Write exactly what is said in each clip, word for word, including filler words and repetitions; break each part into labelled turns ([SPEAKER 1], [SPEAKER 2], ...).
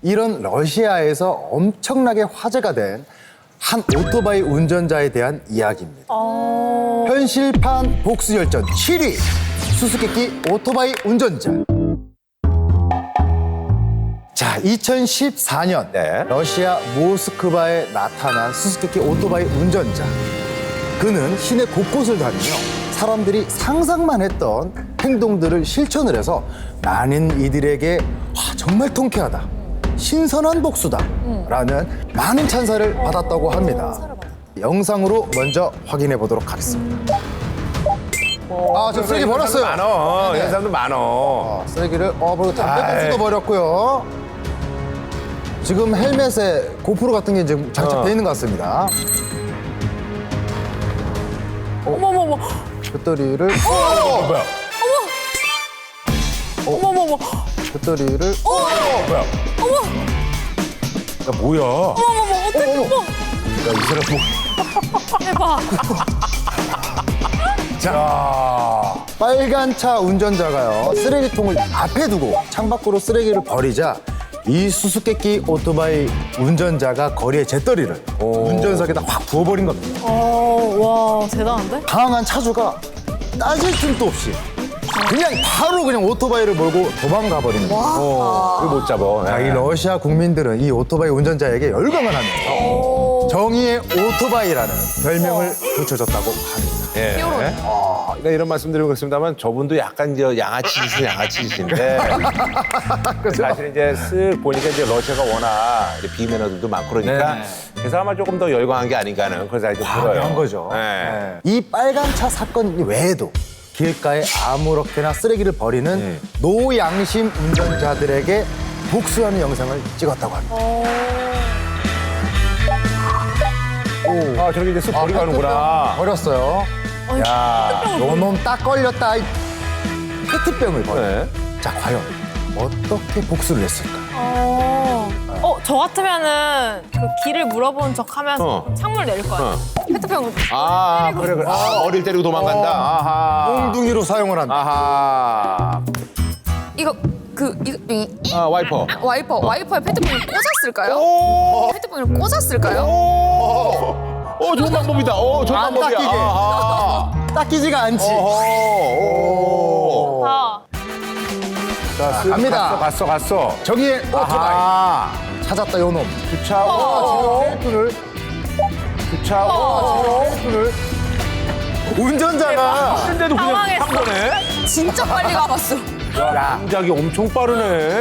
[SPEAKER 1] 이런 러시아에서 엄청나게 화제가 된 한 오토바이 운전자에 대한 이야기입니다. 현실판 복수열전 칠 위 수수께끼 오토바이 운전자. 자, 이천십사 년
[SPEAKER 2] 네.
[SPEAKER 1] 러시아 모스크바에 나타난 수수께끼 오토바이 운전자. 그는 시내 곳곳을 다니며 사람들이 상상만 했던 행동들을 실천을 해서 많은 이들에게 와, 정말 통쾌하다, 신선한 복수다 라는 많은 찬사를 받았다고 합니다. 영상으로 먼저 확인해 보도록 하겠습니다. 아, 저 쓰레기 버렸어요.
[SPEAKER 2] 많어.
[SPEAKER 1] 네.
[SPEAKER 2] 이런 사람도 많어.
[SPEAKER 1] 어, 쓰레기를 어, 그리고 담배
[SPEAKER 2] 아이.
[SPEAKER 1] 꽁초도 버렸고요. 지금 헬멧에 고프로 같은 게 지금 장착돼
[SPEAKER 2] 어.
[SPEAKER 1] 있는 것 같습니다.
[SPEAKER 3] 어머머머.
[SPEAKER 1] 배터리를
[SPEAKER 2] 어, 뭐야?
[SPEAKER 3] 어머머머.
[SPEAKER 1] 배터리를
[SPEAKER 2] 뭐야?
[SPEAKER 3] 어머.
[SPEAKER 2] 야, 뭐야?
[SPEAKER 3] 어머머머. 어떡해. 어머.
[SPEAKER 2] 야, 이 사람 뭐.
[SPEAKER 3] 대박.
[SPEAKER 2] 자.
[SPEAKER 1] 빨간 차 운전자가요, 쓰레기통을 앞에 두고 창밖으로 쓰레기를 버리자 이 수수께끼 오토바이 운전자가 거리에 재떨이를 운전석에다 확 부어버린 겁니다.
[SPEAKER 3] 어, 와, 대단한데?
[SPEAKER 1] 당황한 차주가 따질 틈도 없이 그냥 바로 그냥 오토바이를 몰고 도망가 버리는 거예요.
[SPEAKER 2] 어, 그걸 못 잡아.
[SPEAKER 1] 자, 이 러시아 국민들은 이 오토바이 운전자에게 열광을 하면서 정의의 오토바이라는 별명을 붙여줬다고 합니다.
[SPEAKER 2] 예. 어, 그러니까 이런 말씀 드리고 그렇습니다만 저분도 약간 이제 양아치짓은 양아치짓인데 사실 이제 쓱 보니까 이제 러시아가 워낙 이제 비매너들도 많고 그러니까
[SPEAKER 1] 네네.
[SPEAKER 2] 그래서 아마 조금 더 열광한 게 아닌가 하는 그런 생각이 좀 들어요.
[SPEAKER 1] 한 거죠.
[SPEAKER 2] 네.
[SPEAKER 1] 네. 이 빨간 차 사건 외에도 길가에 아무렇게나 쓰레기를 버리는
[SPEAKER 2] 음.
[SPEAKER 1] 노양심 운전자들에게 복수하는 영상을 찍었다고 합니다. 오.
[SPEAKER 2] 아, 저렇게 이제 쓱 버리고 가는구나.
[SPEAKER 1] 버렸어요. 야, 요놈 딱 걸렸다. 이 페트병을 버려.
[SPEAKER 2] 네.
[SPEAKER 1] 자, 과연 어떻게 복수를 했을까?
[SPEAKER 3] 어. 어, 저 같으면은 그 길을 물어본 척 하면서
[SPEAKER 2] 어.
[SPEAKER 3] 창문을 내릴 것 같아요. 페트병을.
[SPEAKER 2] 아, 그래, 그래. 아, 머리를 때리고 도망간다. 아하.
[SPEAKER 1] 몽둥이로 사용을 한다.
[SPEAKER 2] 아하.
[SPEAKER 4] 이거 그 이거 이,
[SPEAKER 2] 아, 와이퍼.
[SPEAKER 4] 와이퍼 와이퍼에 페트병을 꽂았을까요?
[SPEAKER 2] 오!
[SPEAKER 4] 페트병을 꽂았을까요?
[SPEAKER 2] 오! 어, 좋은 방법이다. 어, 좋은
[SPEAKER 1] 안
[SPEAKER 2] 방법이야.
[SPEAKER 1] 닦이게.
[SPEAKER 2] 아하.
[SPEAKER 1] 닦이지가 않지.
[SPEAKER 2] 어허. 오.
[SPEAKER 3] 다.
[SPEAKER 2] 자, 쓱
[SPEAKER 1] 갑니다.
[SPEAKER 2] 갔어, 갔어, 갔어.
[SPEAKER 1] 정의의 오토바이.
[SPEAKER 2] 아하.
[SPEAKER 1] 찾았다, 요놈.
[SPEAKER 2] 주차.
[SPEAKER 1] 어, 를
[SPEAKER 2] 주차.
[SPEAKER 1] 를 운전자가
[SPEAKER 2] 근데도 그냥
[SPEAKER 3] 당황했어.
[SPEAKER 2] 한 거네.
[SPEAKER 4] 진짜 빨리 가봤어.
[SPEAKER 2] 야, 동작이 엄청 빠르네.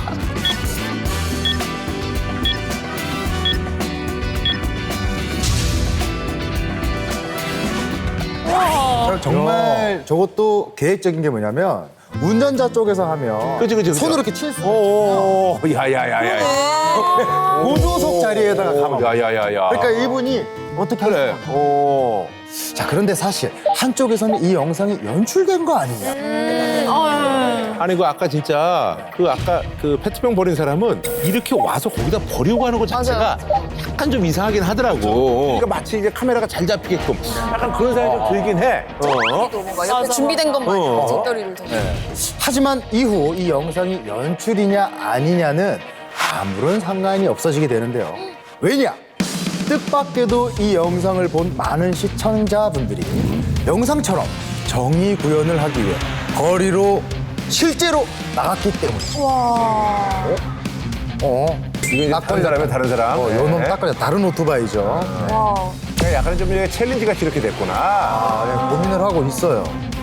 [SPEAKER 1] 정말 저것도 계획적인 게 뭐냐면 운전자 쪽에서 하면
[SPEAKER 2] 그치, 그치, 그치.
[SPEAKER 1] 손으로 이렇게 칠 수 있어요.
[SPEAKER 2] 오, 야야야야.
[SPEAKER 1] 고조석 자리에다가 가만.
[SPEAKER 2] 야야야야.
[SPEAKER 1] 그러니까 이분이 어떻게
[SPEAKER 2] 그래.
[SPEAKER 1] 할까?
[SPEAKER 2] 오.
[SPEAKER 1] 자, 그런데 사실 한쪽에서는 이 영상이 연출된 거 아니냐.
[SPEAKER 3] 어,
[SPEAKER 2] 아니 그 아까 진짜 그 아까 그 페트병 버린 사람은 이렇게 와서 거기다 버리고 가는 것 자체가 약간 좀 이상하긴 하더라고. 그러니까 마치 이제 카메라가 잘 잡히게끔 약간 그런 생각이 좀 들긴 해. 어.
[SPEAKER 4] 뭔가 옆에
[SPEAKER 3] 맞아.
[SPEAKER 4] 준비된 것만
[SPEAKER 2] 어.
[SPEAKER 4] 뒷덜이를 더.
[SPEAKER 1] 하지만 이후 이 영상이 연출이냐 아니냐는 아무런 상관이 없어지게 되는데요. 왜냐? 뜻밖에도 이 영상을 본 많은 시청자분들이 영상처럼 정의 구현을 하기 위해 거리로 실제로 나갔기 때문이죠.
[SPEAKER 3] 와.
[SPEAKER 1] 어,
[SPEAKER 2] 이게 이제 다른 사람이면 다른 사람.
[SPEAKER 1] 어,
[SPEAKER 2] 네.
[SPEAKER 1] 요놈 딱 걸려. 다른 오토바이죠.
[SPEAKER 3] 와.
[SPEAKER 2] 그냥 약간 좀 이제 챌린지 같이 이렇게 됐구나.
[SPEAKER 1] 아, 네, 고민을 하고 있어요.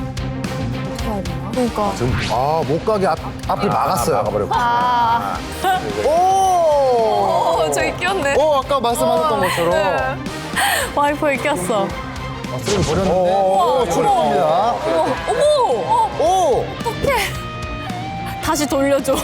[SPEAKER 3] 그러니까.
[SPEAKER 1] 지금 아, 못 가게 앞, 앞을 막았어요.
[SPEAKER 2] 막아버렸고.
[SPEAKER 3] 아.
[SPEAKER 1] 오!
[SPEAKER 3] 어, 저기 끼었네.
[SPEAKER 1] 오, 아까 말씀하셨던 것처럼
[SPEAKER 3] 네. 와이퍼에 꼈어.
[SPEAKER 1] 아, 쓰레기 버렸는데.
[SPEAKER 2] 오,
[SPEAKER 1] 오, 출했습니다.
[SPEAKER 3] 어머, 어머. 어,
[SPEAKER 1] 오!
[SPEAKER 3] 다시 돌려줘.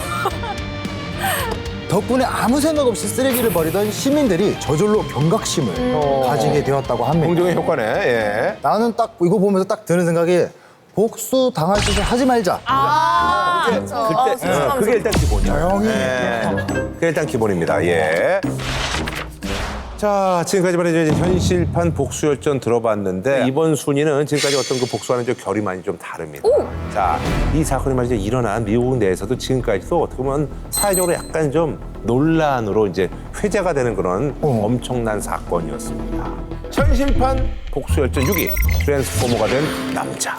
[SPEAKER 1] 덕분에 아무 생각 없이 쓰레기를 버리던 시민들이 저절로 경각심을 가지게 되었다고 합니다.
[SPEAKER 2] 공정의 효과네. 예.
[SPEAKER 1] 나는 딱 이거 보면서 딱 드는 생각이 복수 당할 짓을 하지 말자.
[SPEAKER 3] 아,
[SPEAKER 2] 그때, 어, 그게 일단 기본이야.
[SPEAKER 1] 조용히.
[SPEAKER 2] 예. 그게 일단 기본입니다. 예. 자, 지금까지 말이죠. 이제 현실판 복수열전 들어봤는데 이번 순위는 지금까지 어떤 그 복수와는 좀 결이 많이 좀 다릅니다. 자, 이 사건이 말이죠. 일어난 미국 내에서도 지금까지도 어떻게 보면 사회적으로 약간 좀 논란으로 이제 회자가 되는 그런
[SPEAKER 1] 어.
[SPEAKER 2] 엄청난 사건이었습니다. 현실판 복수열전 육 위, 트랜스포머가 된 남자.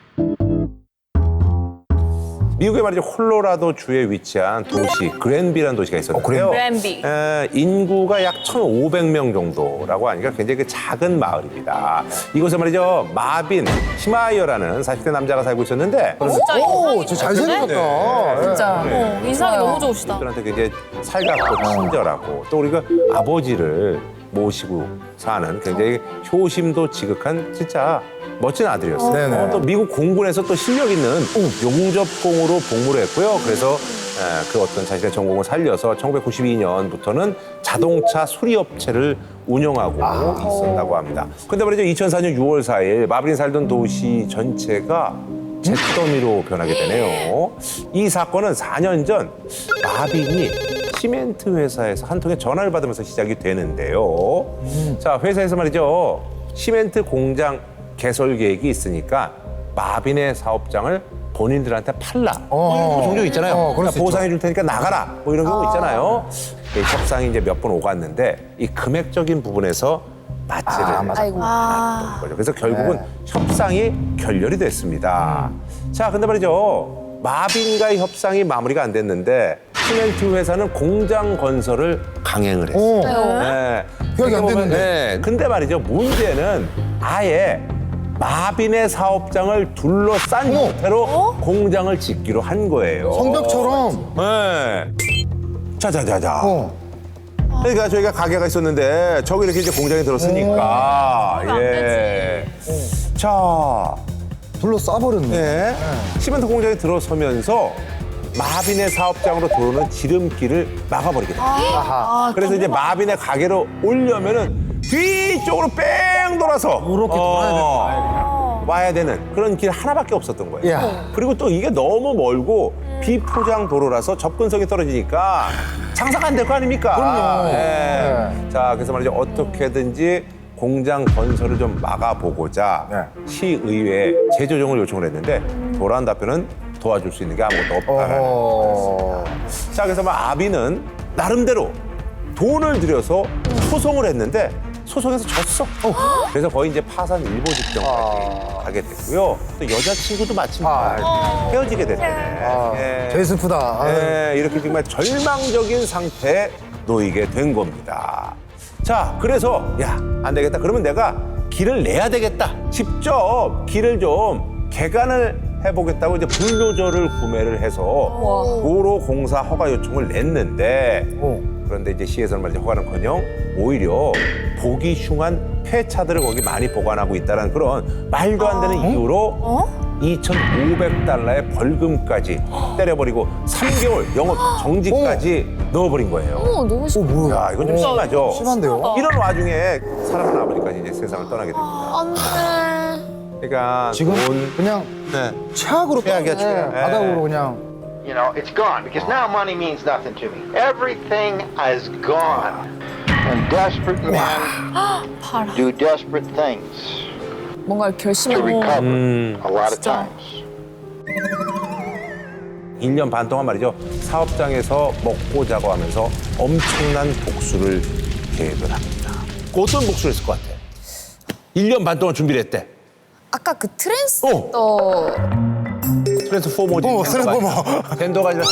[SPEAKER 2] 미국의 말이죠. 콜로라도 주에 위치한 도시 그랜비라는 도시가 있었는데요.
[SPEAKER 3] 그랜비.
[SPEAKER 2] 에, 인구가 약 천오백 명 정도라고 하니까 굉장히 그 작은 마을입니다. 이곳에 말이죠. 마빈 히마이어라는 사십 대 남자가 살고 있었는데
[SPEAKER 3] 진짜
[SPEAKER 1] 오,
[SPEAKER 3] 인상이
[SPEAKER 1] 저 잘생겼다.
[SPEAKER 4] 진짜.
[SPEAKER 3] 어, 인상이 너무 좋으시다.
[SPEAKER 2] 들한테 굉장히 살갑고 친절하고 또 우리가 아버지를 모시고 사는 굉장히 효심도 지극한 진짜 멋진 아들이었어요.
[SPEAKER 1] 네네.
[SPEAKER 2] 어, 또 미국 공군에서 또 실력 있는 용접공으로 복무를 했고요. 그래서 에, 그 어떤 자신의 전공을 살려서 천구백구십이 년부터는 자동차 수리업체를 운영하고 있었다고 합니다. 근데 말이죠. 이천사 년 유월 사일 마빈이 살던 도시 전체가 잿더미로 변하게 되네요. 이 사건은 사 년 전 마빈이 시멘트 회사에서 한 통의 전화를 받으면서 시작이 되는데요. 자, 회사에서 말이죠. 시멘트 공장 개설 계획이 있으니까 마빈의 사업장을 본인들한테 팔라.
[SPEAKER 1] 어.
[SPEAKER 2] 뭐 종종 있잖아요.
[SPEAKER 1] 어, 그럴 수
[SPEAKER 2] 보상해 줄 테니까 나가라. 뭐 이런 경우 있잖아요. 이 협상이 이제 몇 번 오갔는데 이 금액적인 부분에서 맞지를
[SPEAKER 1] 아, 맞아.
[SPEAKER 4] 아이고.
[SPEAKER 2] 않았던 거죠. 그래서 결국은
[SPEAKER 1] 네.
[SPEAKER 2] 협상이 결렬이 됐습니다. 자, 근데 말이죠. 마빈과의 협상이 마무리가 안 됐는데 시멘트 회사는 공장 건설을 강행을 했어요.
[SPEAKER 1] 오.
[SPEAKER 2] 네.
[SPEAKER 1] 계약이 안
[SPEAKER 2] 보면,
[SPEAKER 1] 됐는데.
[SPEAKER 2] 네. 근데 말이죠. 문제는 아예 마빈의 사업장을 둘러싼 형태로 공장을 짓기로 한 거예요.
[SPEAKER 1] 성벽처럼.
[SPEAKER 2] 네. 자자자자.
[SPEAKER 1] 어.
[SPEAKER 2] 그러니까 저희가 가게가 있었는데 저기 이렇게 이제 공장이 들었으니까
[SPEAKER 3] 안
[SPEAKER 2] 예. 자,
[SPEAKER 1] 둘러 싸버렸네.
[SPEAKER 2] 네. 시멘트 공장이 들어서면서 마빈의 사업장으로 들어오는 지름길을 막아버리게 됩니다.
[SPEAKER 1] 아하.
[SPEAKER 2] 그래서 이제 마빈의 가게로 오려면은 뒤쪽으로 뺑 돌아서
[SPEAKER 1] 이렇게 돌아야
[SPEAKER 2] 어, 와야 되는 그런 길 하나밖에 없었던 거예요.
[SPEAKER 1] 야.
[SPEAKER 2] 그리고 또 이게 너무 멀고 비포장 도로라서 접근성이 떨어지니까 장사가 안 될 거 아닙니까?
[SPEAKER 1] 그럼요.
[SPEAKER 2] 네.
[SPEAKER 1] 네.
[SPEAKER 2] 자, 그래서 말이죠. 어떻게든지 공장 건설을 좀 막아보고자
[SPEAKER 1] 네.
[SPEAKER 2] 시의회에 재조정을 요청을 했는데 돌아온 답변은 도와줄 수 있는 게 아무것도 없다라는
[SPEAKER 1] 어.
[SPEAKER 2] 자, 그래서 막 아비는 나름대로 돈을 들여서 소송을 했는데 소송에서 졌어. 그래서 거의 이제 파산 일보 직전까지 가게 됐고요. 또 여자친구도 마침
[SPEAKER 1] 아.
[SPEAKER 2] 헤어지게 됐네.
[SPEAKER 1] 아,
[SPEAKER 2] 예.
[SPEAKER 1] 제일 슬프다. 아.
[SPEAKER 2] 예, 이렇게 정말 절망적인 상태에 놓이게 된 겁니다. 자, 그래서 야, 안 되겠다. 그러면 내가 길을 내야 되겠다. 직접 길을 좀 개간을 해보겠다고 이제 불도저를 구매를 해서 도로 공사 허가 요청을 냈는데
[SPEAKER 1] 어.
[SPEAKER 2] 그런데 이제 시에서는 말이죠. 허가는커녕 오히려 보기 흉한 폐차들을 거기 많이 보관하고 있다는 그런 말도 안 되는 이유로 이천오백 달러의 벌금까지 때려버리고 삼 개월 영업 정지까지 넣어버린 거예요.
[SPEAKER 4] 어, 너무 싫어.
[SPEAKER 1] 어, 뭐야.
[SPEAKER 2] 야, 이건 좀 심하죠.
[SPEAKER 1] 심한데요?
[SPEAKER 2] 이런 와중에 사랑하는 아버지까지 이제 세상을 떠나게 됩니다.
[SPEAKER 4] 안 돼.
[SPEAKER 2] 그러니까
[SPEAKER 1] 지금
[SPEAKER 2] 돈,
[SPEAKER 1] 그냥
[SPEAKER 2] 네.
[SPEAKER 1] 최악으로
[SPEAKER 2] 최악이야,
[SPEAKER 1] 떠-
[SPEAKER 2] 최악.
[SPEAKER 1] 네, 바닥으로 그냥.
[SPEAKER 5] You know, it's gone because now money means nothing to me. Everything is gone. And desperate men do desperate things
[SPEAKER 4] 뭔가
[SPEAKER 5] to
[SPEAKER 4] 결심을
[SPEAKER 5] recover
[SPEAKER 2] 음.
[SPEAKER 5] a lot of times.
[SPEAKER 2] 일 년 반 동안 말이죠. 사업장에서 먹고 자고 하면서 엄청난 복수를 계획을 합니다. 그 어떤 복수를 했을 것 같아? 일 년 반 동안 준비를 했대.
[SPEAKER 4] 아까 그 트랜스더
[SPEAKER 2] 트랜스포머지.
[SPEAKER 1] 어, 트랜스포머.
[SPEAKER 2] 젠더가 아니라.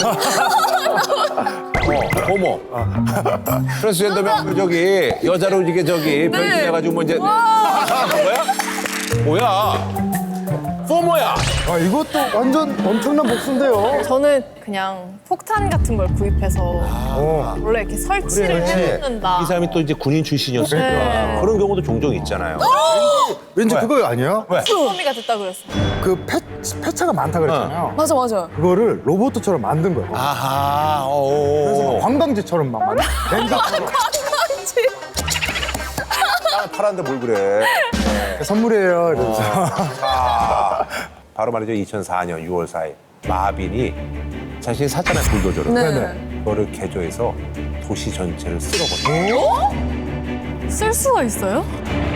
[SPEAKER 2] 어, 호모. 트랜스젠더면 그 저기 여자로 이게 저기 변신해가지고 뭐 이제. 뭐야? 뭐야? 포머야.
[SPEAKER 1] 아, 이것도 완전 엄청난 복수인데요.
[SPEAKER 3] 저는 그냥 폭탄 같은 걸 구입해서
[SPEAKER 1] 어.
[SPEAKER 3] 원래 이렇게 설치를 해놓는다.
[SPEAKER 2] 이 사람이 또 이제 군인 출신이었으니까
[SPEAKER 3] 네.
[SPEAKER 2] 그런 경우도 종종 있잖아요.
[SPEAKER 1] 왠지
[SPEAKER 2] 왜?
[SPEAKER 1] 그거 아니야?
[SPEAKER 2] 왜?
[SPEAKER 3] 소미가 됐다 그랬어.
[SPEAKER 1] 그 폐, 폐차가 많다 그랬잖아요.
[SPEAKER 4] 맞아 맞아.
[SPEAKER 1] 그거를 로봇처럼 만든 거예요.
[SPEAKER 2] 아하.
[SPEAKER 1] 그래서 막
[SPEAKER 2] 오.
[SPEAKER 1] 관광지처럼 막 만든 렌즈처럼
[SPEAKER 2] 땅을 팔았는데 뭘 그래.
[SPEAKER 1] 선물이에요. 이러면서.
[SPEAKER 2] 아, 바로 말이죠. 이천사 년 유월 사일 마빈이 자신이 샀잖아요. 불도저를.
[SPEAKER 4] 네.
[SPEAKER 1] 네네.
[SPEAKER 2] 그거를 개조해서 도시 전체를 쓸어버려요.
[SPEAKER 3] 쓸 수가 있어요?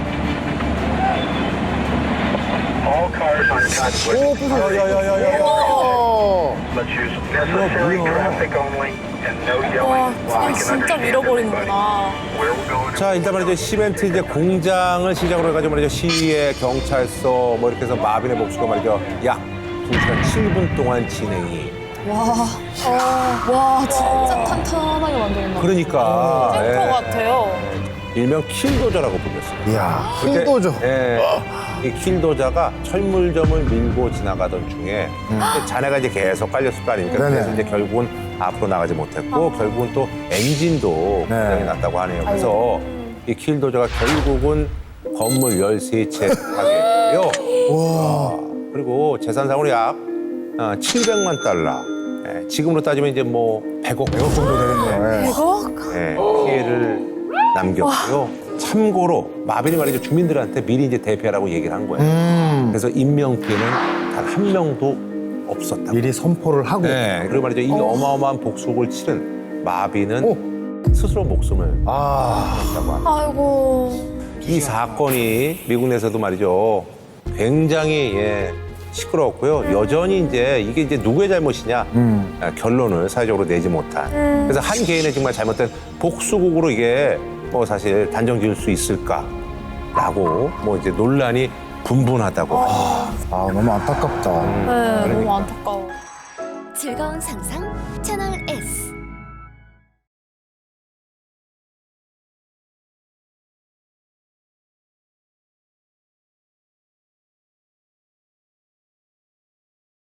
[SPEAKER 6] All cars on conflict
[SPEAKER 2] 야야야야야.
[SPEAKER 6] let's use necessary traffic only and no
[SPEAKER 3] 와,
[SPEAKER 6] yelling while
[SPEAKER 3] 그냥
[SPEAKER 6] we can
[SPEAKER 3] 진짜
[SPEAKER 6] understand everybody
[SPEAKER 3] 밀어버리는구나.
[SPEAKER 6] where we're going.
[SPEAKER 2] 자, 일단 말이죠. 시멘트 이제 공장을 시작으로 해가지고 말이죠. 시의 경찰서 뭐 이렇게 해서 마빈의 복수가 말이죠. 약 두 시간 칠 분 동안 진행이.
[SPEAKER 4] 와, 어, 와 진짜 탄탄하게 만들었나.
[SPEAKER 2] 그러니까.
[SPEAKER 3] 탱커
[SPEAKER 2] 예.
[SPEAKER 3] 같아요.
[SPEAKER 2] 일명 킬도저라고 불렸어요.
[SPEAKER 1] 이야,
[SPEAKER 2] 그때,
[SPEAKER 1] 힘도죠.
[SPEAKER 2] 예. 이 킬도저가 철물점을 밀고 지나가던 중에 이제 잔해가 이제 계속 깔렸을 거 아닙니까?
[SPEAKER 1] 네네.
[SPEAKER 2] 그래서 이제 결국은 앞으로 나가지 못했고 결국은 또 엔진도
[SPEAKER 1] 네.
[SPEAKER 2] 고장이 났다고 하네요. 그래서 이 킬도저가 결국은 건물 열세 채 파괴했고요.
[SPEAKER 1] 와.
[SPEAKER 2] 그리고 재산상으로 약 어, 칠백만 달러. 예, 지금으로 따지면 이제 뭐 백억
[SPEAKER 1] 백억 정도 되겠네.
[SPEAKER 3] 백억?
[SPEAKER 2] 예, 피해를 남겼고요. 참고로 마빈이 말이죠 주민들한테 미리 이제 대피하라고 얘기를 한 거예요.
[SPEAKER 1] 음.
[SPEAKER 2] 그래서 인명 피해는 단 한 명도 없었다.
[SPEAKER 1] 미리 선포를 하고.
[SPEAKER 2] 네, 그리고 말이죠 이 어마어마한 복수를 치른 마빈은 스스로 목숨을
[SPEAKER 1] 아.
[SPEAKER 2] 냈다고 합니다.
[SPEAKER 3] 아이고.
[SPEAKER 2] 이 사건이 미국 내에서도 말이죠 굉장히 예, 시끄러웠고요. 여전히 이제 이게 이제 누구의 잘못이냐
[SPEAKER 1] 음.
[SPEAKER 2] 아, 결론을 사회적으로 내지 못한. 그래서 한 개인의 정말 잘못된 복수국으로 이게 뭐 사실 단정 지을 수 있을까라고 뭐 이제 논란이 분분하다고.
[SPEAKER 1] 아, 너무 안타깝다.
[SPEAKER 3] 네, 너무 안타까워.
[SPEAKER 7] 즐거운 상상 채널 S.